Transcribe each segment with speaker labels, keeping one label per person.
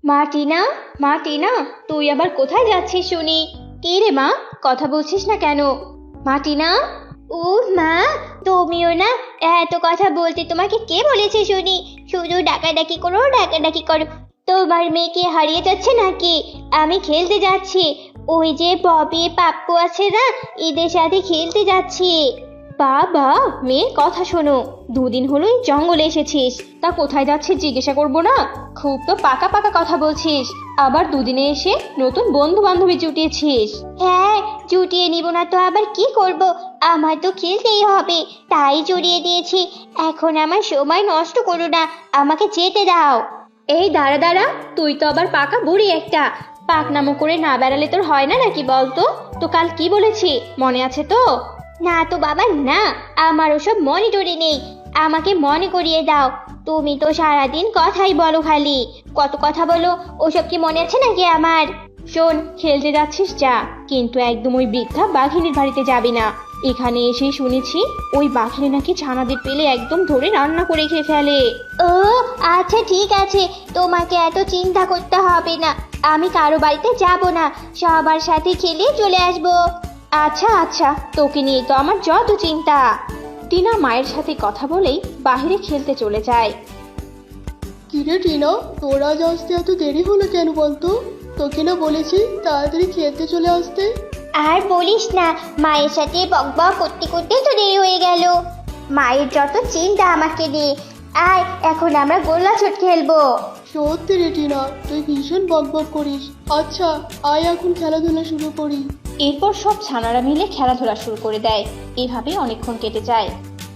Speaker 1: মা টিনা, মা টিনা, তুই আবার কোথায় যাচ্ছিস শুনি? কি রে মা, কথা বলছিস না কেন? মা টিনা। ও মা, তুমিও না, এত কথা বলতে তোমাকে কে বলেছে শুনি? শুধু ডাকাডাকি করো ডাকাডাকি করো। তোমার মেয়ে কি হারিয়ে যাচ্ছে নাকি? আমি খেলতে যাচ্ছি, ওই যে ববি পাপ্পু আছে না, এদের সাথে খেলতে যাচ্ছি। বাবা, মেয়ের কথা শোনো। দুদিন হলো এই জঙ্গলে এসেছিস, তা কোথায় যাচ্ছিস জিজ্ঞাসা করবো না? খুব তো পাকা পাকা কথা বলছিস, আবার দুদিনে এসে নতুন বন্ধু বান্ধবী জুটিয়েছিস। হ্যাঁ, জুটিয়ে নিব না তো আবার কি করব? আমার তো খেলতেই হবে, তাই জড়িয়ে দিয়েছি। এখন আমার সময় নষ্ট করো না, আমাকে যেতে দাও। এই দাঁড়া দাঁড়া, তুই তো আবার পাকা বুড়ি একটা। পাকনামো করে না বেড়ালে তোর হয় না নাকি বলতো? তো কাল কি বলেছি মনে আছে তো? না তো বাবা না, আমার ওসব মনে টরে নেই। আমাকে মনে করিয়ে দাও। তুমি তো সারাদিন কথাই বলো, খালি কত কথা বলো, ওসব কি মনে আছে নাকি আমার? শোন, খেলতে যাচ্ছিস যা, কিন্তু একদম ওই বৃদ্ধা বাঘিনীর বাড়িতে যাবি না। এখানে এসেই শুনেছি ওই বাঘিনী নাকি ছানাদের পেলে একদম ধরে রান্না করে খেয়ে ফেলে। ও আচ্ছা ঠিক আছে, তোমাকে এত চিন্তা করতে হবে না। আমি কারো বাড়িতে যাব না, সবার সাথে খেলে চলে আসবো। আচ্ছা আচ্ছা, তোকে নিয়ে তো আমার যত চিন্তা। টিনা মায়ের সাথে কথা বলেই বাহিরে খেলতে চলে যায়।
Speaker 2: কিরে টিনা, তোর আজ আসতে এত দেরি হলো কেন বলতো? তোকে না বলেছি তাড়াতাড়ি খেলতে চলে আসতে।
Speaker 1: আর বলিস না, মায়ের সাথে বকবক করতে করতে তো দেরি হয়ে গেল। মায়ের যত চিন্তা আমাকে নিয়ে। আয়, এখন আমরা গোল্লা ছুট খেলবো।
Speaker 2: সত্যি রে টিনা, তুই ভীষণ বকবক করিস। আচ্ছা আয় এখন খেলাধুলা শুরু করি।
Speaker 1: এরপর সব ছানারা মিলে খেলাধুলা শুরু করে দেয়। এভাবে অনেকক্ষণ কেটে যায়।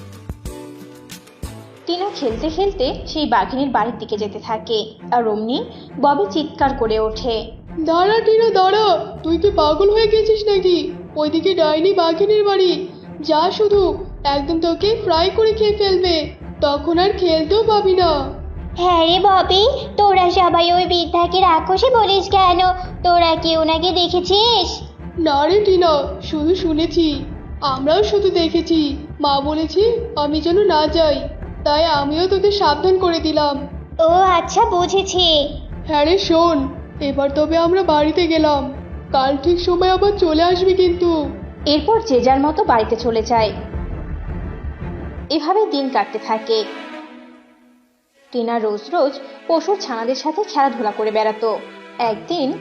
Speaker 1: টিনা খেলতে খেলতে সেই বাঘিনীর বাড়ির দিকে যেতে থাকে, আর অমনি ববি চিৎকার করে ওঠে।
Speaker 2: দাঁড়া টিনা দাঁড়া, তুই কি পাগল হয়ে গেছিস নাকি? ওইদিকে ডাইনি বাঘিনীর বাড়ি, যা শুধু, একদম তোকে ফ্রাই করে খেয়ে ফেলবে, তখন আর খেলতেও পাবি না।
Speaker 1: হ্যাঁ রে ববি, তোরা সবাই ওই বৃদ্ধাকে রাক্ষসী বলিস কেন? তোরা কি ওনাকে দেখেছিস?
Speaker 2: না রে টিনা, শুধু শুনেছি। আমরাও শুধু দেখেছি, মা বলেছি আমি যেন না যাই, তাই আমিও তোকে সাবধান করে দিলাম।
Speaker 1: ও আচ্ছা, বুঝেছি।
Speaker 2: হ্যাঁ রে শোন, এবার তবে আমরা বাড়িতে গেলাম, কাল ঠিক সময় আবার চলে আসবি কিন্তু।
Speaker 1: এরপর যে যার মতো বাড়িতে চলে যায়। এভাবে দিন কাটতে থাকে। টিনা রোজ রোজ পশুর ছানাদের সাথে খেলাধুলা করে বেড়াতো। একদিন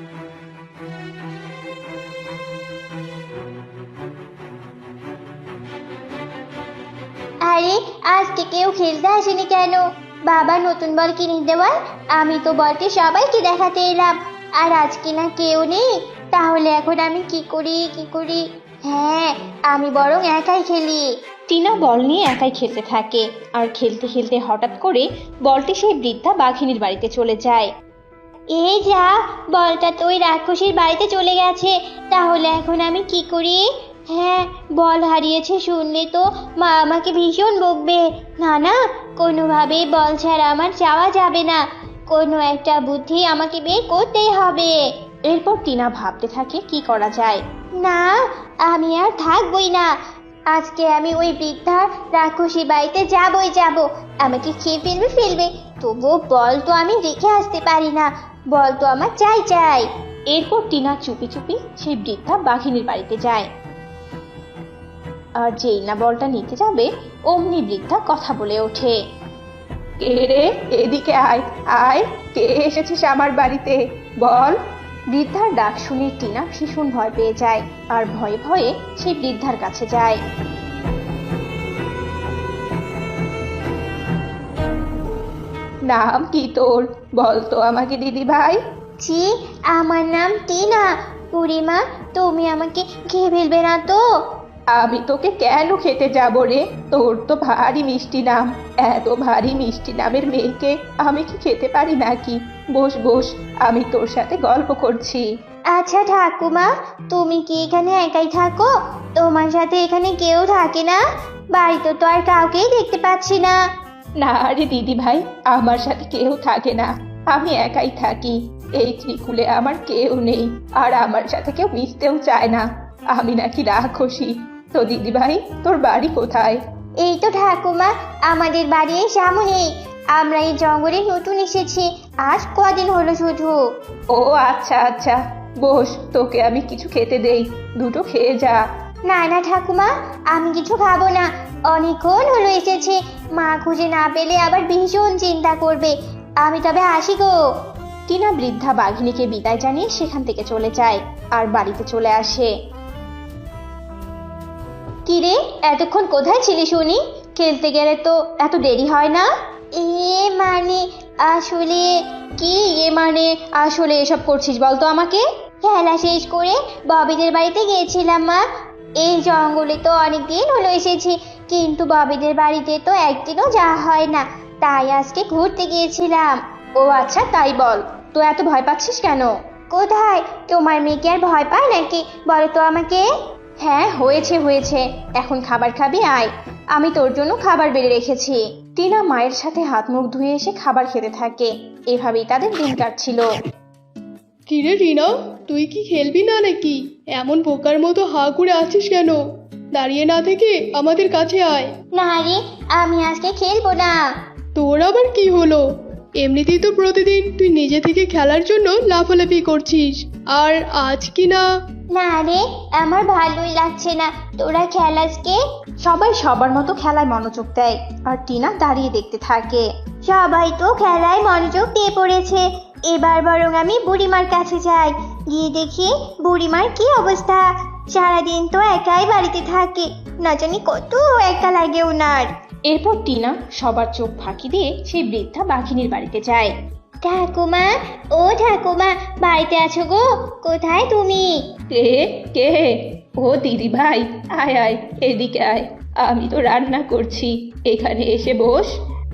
Speaker 1: আরে, আজকে কেউ খেলতে আসেনি কেন? বাবা নতুন বল কিনে দেওয়ার, আমি তো বলটি সবাইকে দেখাতে এলাম, আর আজকে না কেউ নেই। তাহলে এখন আমি কি করি কি করি? হ্যাঁ, আমি বরং একাই খেলি। টিনা বল নিয়ে একাই খেলতে থাকে, আর খেলতে খেলতে হঠাৎ করে বলটি সেই বৃদ্ধা বাঘিনীর বাড়িতে চলে যায়। এই যা, বলটা তো ওই রাক্ষসীর বাড়িতে চলে গেছে। তাহলে এখন আমি কি করি? হ্যাঁ, বল হারিয়েছে শুনলে তো মা আমাকে ভীষণ বকবে। না না, কোনোভাবেই বল ছাড়া আমার যাওয়া যাবে না। কোনো একটা বুদ্ধি আমাকে বের করতেই হবে। এরপর টিনা ভাবতে থাকে কি করা যায়। না, আমি আর থাকবই না। আজকে আমি ওই বৃদ্ধা রাক্ষসী বাড়িতে যাবই যাব। আমাকে খেয়ে ফেলবে ফেলবে, তবুও বল তো আমি রেখে আসতে পারি না। বল তো আমার চাই চাই। এরপর টিনা চুপি চুপি সেই বৃদ্ধা বাঘিনীর বাড়িতে যায়। আর যেই না বলটা নিতে যাবে, অমনি বৃদ্ধা কথা বলে ওঠে।
Speaker 3: কে রে, এদিকে আয় আয়, কে এসেছিস আমার বাড়িতে বল।
Speaker 1: বৃদ্ধার ডাক শুনে টিনা ভীষণ ভয় পেয়ে যায়, আর ভয়ে ভয়ে সেই বৃদ্ধার কাছে যায়।
Speaker 3: নাম কি তোর, বল তো আমাকে দিদি ভাই।
Speaker 1: জি, আমার নাম টিনা। বুড়িমা, তুমি আমাকে খেয়ে ফেলবে না তো?
Speaker 3: আমি তোকে কেন খেতে যাব রে, তোর তো ভারী মিষ্টি নাম, এত ভারী মিষ্টি নামের মেয়েকে আমি কি খেতে পারি নাকি? বস বস, আমি তোর সাথে গল্প করছি।
Speaker 1: আচ্ছা ঠাকুমা, তুমি কি এখানে একাই থাকো? তোমার সাথে এখানে কেউ থাকে না? বাড়িতে তো আর কাউকেই দেখতে পাচ্ছি না।
Speaker 3: না রে দিদি ভাই, আমার সাথে কেউ থাকে না, আমি একাই থাকি। এই ত্রিকুলে আমার কেউ নেই, আর আমার সাথে কেউ মিশতেও চায় না। আমি নাকি রাক্ষসী। তো দিদি ভাই, তোর বাড়ি কোথায়?
Speaker 1: এই তো ঠাকুমা, আমাদের বাড়ির সামনেই। আমরা এই জঙ্গলে নতুন এসেছি, আজ কদিন হলো শুধু।
Speaker 3: ও আচ্ছা আচ্ছা, বস, তোকে আমি কিছু খেতে দেই, দুটো খেয়ে যা।
Speaker 1: না না ঠাকুমা, আমি কিছু খাবো না। অনেকক্ষণ হলো এসেছে, মা খুঁজে না পেলে আবার ভীষণ চিন্তা করবে। আমি তবে আসি গো।
Speaker 3: টিনা বৃদ্ধা বাঘিনীকে বিদায় জানিয়ে সেখান থেকে চলে যায় আর বাড়িতে চলে আসে।
Speaker 1: কিরে, এতক্ষণ কোথায় ছিলি শুনি? খেলতে গেলে তো এত দেরি হয় না? মানে আসলে
Speaker 3: কি আসলে এসব করছিস বলতো আমাকে?
Speaker 1: খেলা শেষ করে ববিদের বাড়িতে গিয়েছিলাম মা। এই জঙ্গলে তো অনেক দিন হলো এসেছি, কিন্তু ববিদের বাড়িতে তো একদিনও যাওয়া হয় না, তাই আজকে ঘুরতে গিয়েছিলাম।
Speaker 3: ও আচ্ছা, তাই বল, তো এত ভয় পাচ্ছিস কেন?
Speaker 1: কোথায়? তোমার মেয়ে কি আর ভয় পায় নাকি? বলো তো আমাকে।
Speaker 3: হ্যাঁ, হয়েছে, এখন খাবার খাবি, আয়, আমি তোর জন্য খাবার বেড়ে রেখেছি। টিনা মায়ের সাথে হাত মুখ ধুয়ে এসে খাবার খেতে থাকে। এভাবেই তাদের দিন কাটছিল।
Speaker 2: কিরে রিনা, তুই কি খেলবি না নাকি? এমন বোকার মতো হাঁ করে আছিস কেন? দাঁড়িয়ে না থেকে আমাদের কাছে আয়।
Speaker 1: না রে, আমি আজকে খেলবো না।
Speaker 2: তোর আবার কি হলো? এমনিতেই তো প্রতিদিন তুই নিজে থেকে খেলার জন্য লাফালাফি করছিস, আর আজ কি না?
Speaker 1: না রে, আমার ভালোই লাগছে না, তোরা খেল আজকে।
Speaker 3: সবাই সবার মতো খেলায় মনোযোগ দেয় আর টিনা দাঁড়িয়ে দেখতে থাকে।
Speaker 1: সবাই তো খেলায় মনোযোগ দিয়ে পড়েছে, এবার বরং আমি বুড়িমার কাছে যাই, গিয়ে দেখি বুড়িমার কি অবস্থা। সারাদিন তো একাই বাড়িতে থাকে, না জানি কত একা লাগে ওনার।
Speaker 3: এরপর টিনা সবার চোখ ফাঁকি দিয়ে সেই বৃদ্ধা বাঘিনীর বাড়িতে যায়।
Speaker 1: ঠাকুমা, ও ঠাকুমা, বাড়িতে আছো গো? কোথায় তুমি?
Speaker 3: কে কে ও দিদি ভাই, আয় আয়, এদিকে আয়, আমি তো রান্না করছি, এখানে এসে বস।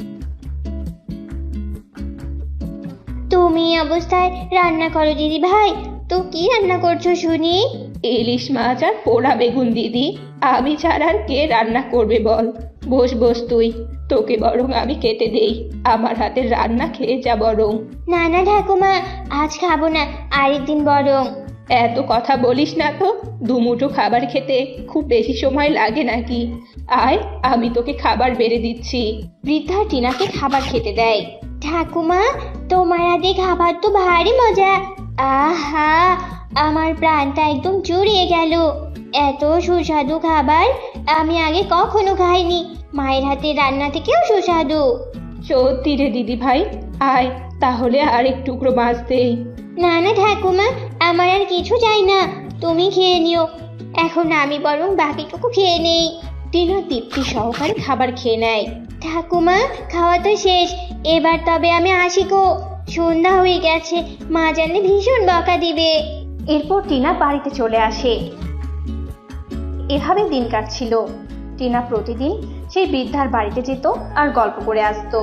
Speaker 1: তুমি এই অবস্থায় রান্না করো দিদি ভাই? তো কি রান্না করছো শুনি?
Speaker 3: ইলিশ মাছ আর পোড়া বেগুন দিদি, আমি ছাড়া আর কে রান্না করবে বল? বস বস তুই, তোকে বরং আমি কেটে দেই, আমার হাতের রান্না খেয়ে যা বরং।
Speaker 1: না না ঠাকুমা, আজ খাবো না, আরেকদিন বরং।
Speaker 3: এত কথা বলিস না তো, দুমুঠো খাবার খেতে খুব বেশি সময় লাগে নাকি? আয়, আমি তোকে খাবার বেড়ে দিচ্ছি। বৃদ্ধা টিনাকে খাবার খেতে দেয়।
Speaker 1: ঠাকুমা, তোমার হাতে খাবার তো ভারী মজা। আহা, আমার প্রাণটা একদম জুড়িয়ে গেল। এত সুস্বাদু খাবার আমি আগে কখনো খাইনি, মায়ের হাতে রান্না থেকেও সুস্বাদু।
Speaker 3: সত্যি রে দিদি ভাই, আয় তাহলে আর এক টুকরো মাছ দেই।
Speaker 1: না না ঠাকুমা, আমার আর কিছু চাই না, তুমি খেয়ে নিও। এখন আমি বরং বাকিটুকু খেয়ে নেই।
Speaker 3: টিনা তৃপ্তি সহকারে খাবার খেয়ে নেয়।
Speaker 1: ঠাকুমা, খাওয়া তো শেষ, এবার তবে আমি আসি গো। সন্ধ্যা হয়ে গেছে, মা জানলে ভীষণ বকা দিবে।
Speaker 3: এরপর টিনা বাড়িতে চলে আসে। এভাবে দিন কাটছিল। টিনা প্রতিদিন সেই বৃদ্ধার বাড়িতে যেত আর গল্প করে আসতো।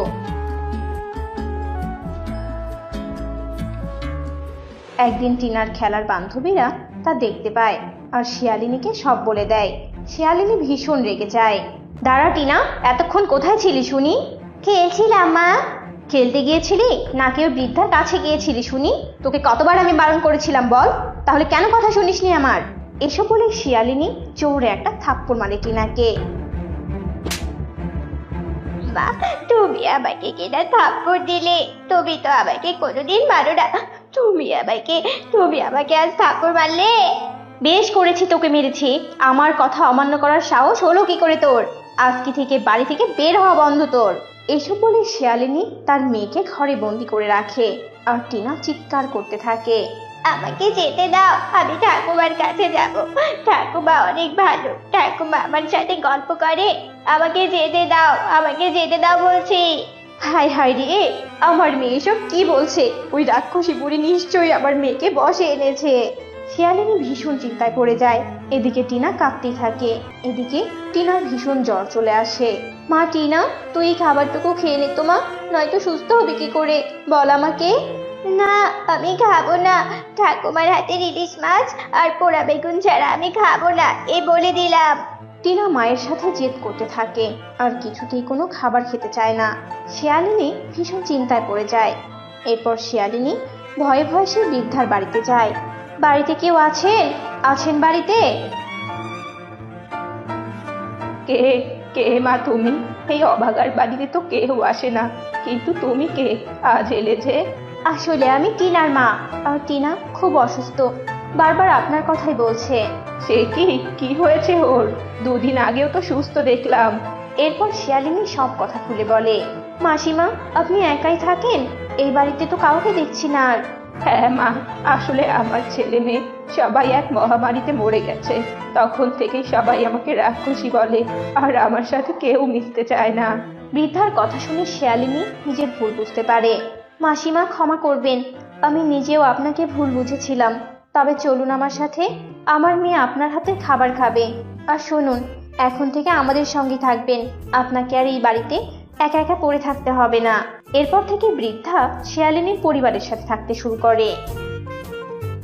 Speaker 3: একদিন টিনার খেলার বান্ধবীরা তা দেখতে পায় আর শিয়ালিনীকে সব বলে দেয়। শিয়ালিনী ভীষণ রেগে যায়। দাঁড়া টিনা, এতক্ষণ কোথায় ছিলি শুনি?
Speaker 1: খেয়েছিলাম মা।
Speaker 3: খেলতে গিয়েছিলি না কেউ বৃদ্ধার কাছে গিয়েছিলি শুনি? তোকে কতবার আমি বারণ করেছিলাম বল, তাহলে কেন কথা শুনিসনি আমার? এসব বলে শিয়ালিনী জোরে একটা থাপ্পড় মারে টিনাকে।
Speaker 1: মা, তুমি আমাকে কিনা থাপ্পড় দিলে? তুমি তো আমাকে কোনোদিন মারো না, তুমি আমাকে আজ থাপ্পড় মারলে?
Speaker 3: বেশ করেছি, তোকে মেরেছি। আমার কথা অমান্য করার সাহস হলো কি করে তোর? আজকে থেকে বাড়ি থেকে বের হওয়া বন্ধ তোর। এসব বলে শিয়ালিনী তার মেয়েকে ঘরে বন্দি করে রাখে আর টিনা চিৎকার করতে থাকে।
Speaker 1: আমাকে যেতে দাও, আমি ঠাকুমার কাছে যাব। ঠাকুমা অনেক ভালো, ঠাকুমা আমার সাথে গল্প করে। আমাকে যেতে দাও বলছি।
Speaker 3: হায় হায় রে, আমার মেয়ে সব কি বলছে? ওই রাক্ষসী বুড়ি নিশ্চয়ই আমার মেয়েকে বশে এনেছে। শিয়ালিনী ভীষণ চিন্তায় পড়ে যায়। এদিকে টিনা কাঁদতেই থাকে। এদিকে টিনার ভীষণ জ্বর চলে আসে। মা টিনা, তুই এই খাবারটুকু খেয়ে নে তো মা, নয়তো সুস্থ হবে কি করে বল আমাকে?
Speaker 1: না, আমি খাবো না। ঠাকুমার হাতের ইলিশ মাছ আর পোড়া বেগুন ছাড়া আমি খাবো না, এ বলে দিলাম।
Speaker 3: টিনা মায়ের সাথে জেদ করতে থাকে আর কিছুতেই কোনো খাবার খেতে চায় না। শিয়ালিনী ভীষণ চিন্তায় পড়ে যায়। এরপর শিয়ালিনী ভয়ে ভয়ে সে বৃদ্ধার বাড়িতে যায়। বাড়িতে কেউ আছেন বাড়িতে? কে কে মা তুমি? এই অভাগার বাড়িতে তো কেউ আসে না, কিন্তু তুমি কে আজ এলে যে?
Speaker 1: আসলে আমি টিনার মা, আর টিনা খুব অসুস্থ, বারবার আপনার কথাই বলছে।
Speaker 3: সে কি হয়েছে ওর? দুদিন আগেও তো সুস্থ দেখলাম।
Speaker 1: এরপর শিয়ালিনী সব কথা খুলে বলে। মাসিমা, আপনি একাই থাকেন? এই বাড়িতে তো কাউকে দেখছি না আর।
Speaker 3: হ্যাঁ মা, আসলে আমার ছেলে মেয়ে সবাই এক মহামারীতে মরে গেছে। তখন থেকেই সবাই আমাকে রাক্ষসী বলে, আর আমার সাথে কেউ মিশতে চায় না।
Speaker 1: বৃদ্ধার কথা শুনে শিয়ালিনী নিজের ভুল বুঝতে পারে। মাসিমা, ক্ষমা করবেন, আমি নিজেও আপনাকে ভুল বুঝেছিলাম। তবে চলুন আমার সাথে, আমার মেয়ে আপনার হাতে খাবার খাবে। আর শুনুন, এখন থেকে আমাদের সঙ্গে থাকবেন, আপনাকে আর এই বাড়িতে একা একা পড়ে থাকতে হবে না। এরপর থেকে বৃদ্ধা শিয়ালিনীর পরিবারের সাথে থাকতে শুরু করে।